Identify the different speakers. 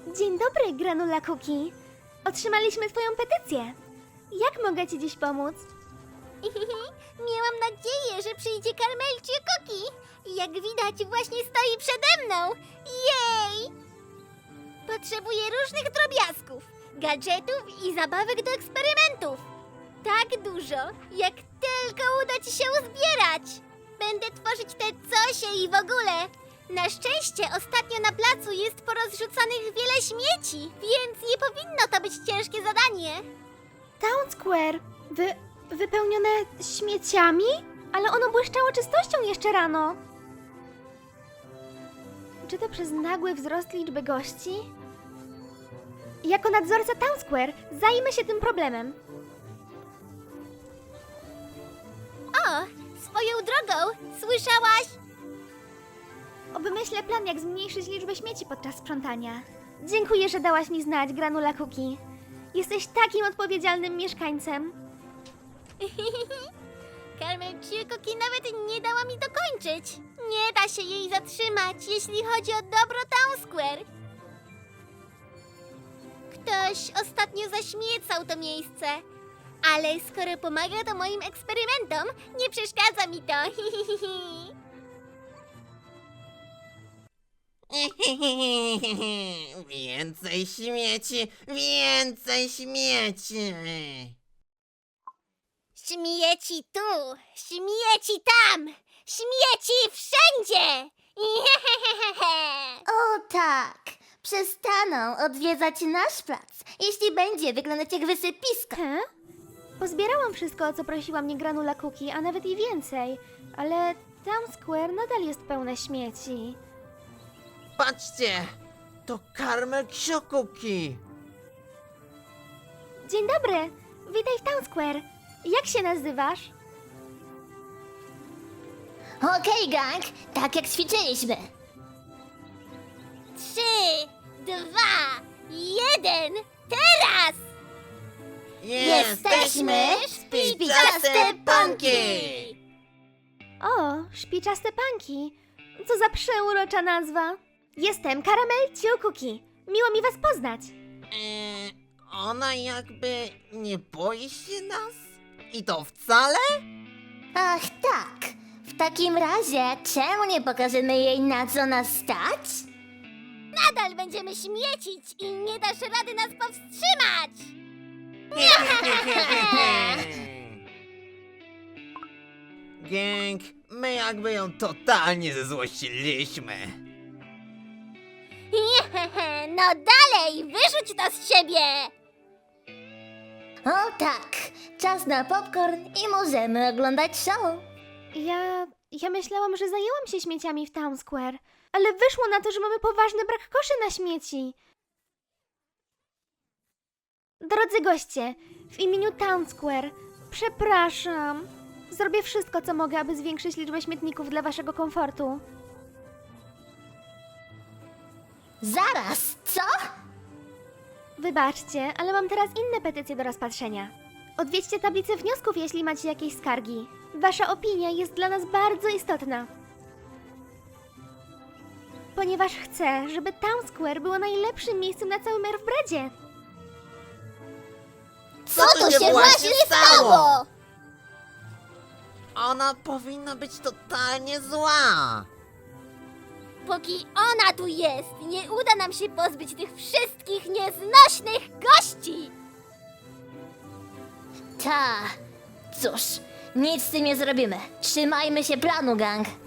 Speaker 1: Dzień dobry, Granula Cookie. Otrzymaliśmy twoją petycję. Jak mogę ci dziś pomóc?
Speaker 2: Miałam nadzieję, że przyjdzie Karmelcie Cookie. Jak widać, właśnie stoi przede mną. Jej! Potrzebuję różnych drobiazgów, gadżetów i zabawek do eksperymentów. Tak dużo, jak tylko uda ci się uzbierać. Będę tworzyć te cosie i w ogóle. Na szczęście ostatnio na placu jest porozrzucanych wiele śmieci, więc nie powinno to być ciężkie zadanie.
Speaker 1: Town Square. Wypełnione śmieciami? Ale ono błyszczało czystością jeszcze rano. Czy to przez nagły wzrost liczby gości? Jako nadzorca Town Square zajmę się tym problemem.
Speaker 2: O, swoją drogą, słyszałaś?
Speaker 1: Obmyślę plan, jak zmniejszyć liczbę śmieci podczas sprzątania. Dziękuję, że dałaś mi znać, Granula Cookie. Jesteś takim odpowiedzialnym mieszkańcem.
Speaker 2: Karmelcie Cookie nawet nie dała mi dokończyć. Nie da się jej zatrzymać, jeśli chodzi o dobro Town Square. Ktoś ostatnio zaśmiecał to miejsce. Ale skoro pomaga to moim eksperymentom, nie przeszkadza mi to.
Speaker 3: Więcej śmieci, więcej śmieci.
Speaker 2: Śmieci tu, śmieci tam, śmieci wszędzie.
Speaker 4: O tak! Przestaną odwiedzać nasz plac, jeśli będzie wyglądać jak wysypisko.
Speaker 1: He? Pozbierałam wszystko, o co prosiła mnie Granula Cookie, a nawet i więcej. Ale Town Square nadal jest pełne śmieci.
Speaker 3: Patrzcie, to Karmel Cookie.
Speaker 1: Dzień dobry! Witaj w Town Square. Jak się nazywasz?
Speaker 4: Okej, gang, tak jak ćwiczyliśmy.
Speaker 2: 3, 2, 1, teraz!
Speaker 4: Jesteśmy
Speaker 3: Spiczaste Panki!
Speaker 1: O, szpiczaste panki. Co za przeurocza nazwa. Jestem Caramel Cookie. Miło mi was poznać.
Speaker 3: Ona jakby nie boi się nas? I to wcale?
Speaker 4: Ach tak, w takim razie czemu nie pokażemy jej, na co nas stać?
Speaker 2: Nadal będziemy śmiecić i nie dasz rady nas powstrzymać!
Speaker 3: Gang, my jakby ją totalnie zezłościliśmy.
Speaker 2: No dalej, wyrzuć to z siebie!
Speaker 4: O tak, czas na popcorn i możemy oglądać show.
Speaker 1: Ja myślałam, że zajęłam się śmieciami w Town Square, ale wyszło na to, że mamy poważny brak koszy na śmieci. Drodzy goście, w imieniu Town Square, przepraszam. Zrobię wszystko, co mogę, aby zwiększyć liczbę śmietników dla waszego komfortu.
Speaker 4: Zaraz, co?
Speaker 1: Wybaczcie, ale mam teraz inne petycje do rozpatrzenia. Odwiedźcie tablicę wniosków, jeśli macie jakieś skargi. Wasza opinia jest dla nas bardzo istotna. Ponieważ chcę, żeby Town Square było najlepszym miejscem na całym Earthbreadzie.
Speaker 2: Co tu się właśnie stało?
Speaker 3: Ona powinna być totalnie zła.
Speaker 2: Póki ona tu jest, nie uda nam się pozbyć tych wszystkich nieznośnych gości!
Speaker 4: Ta, cóż, nic z tym nie zrobimy. Trzymajmy się planu, gang.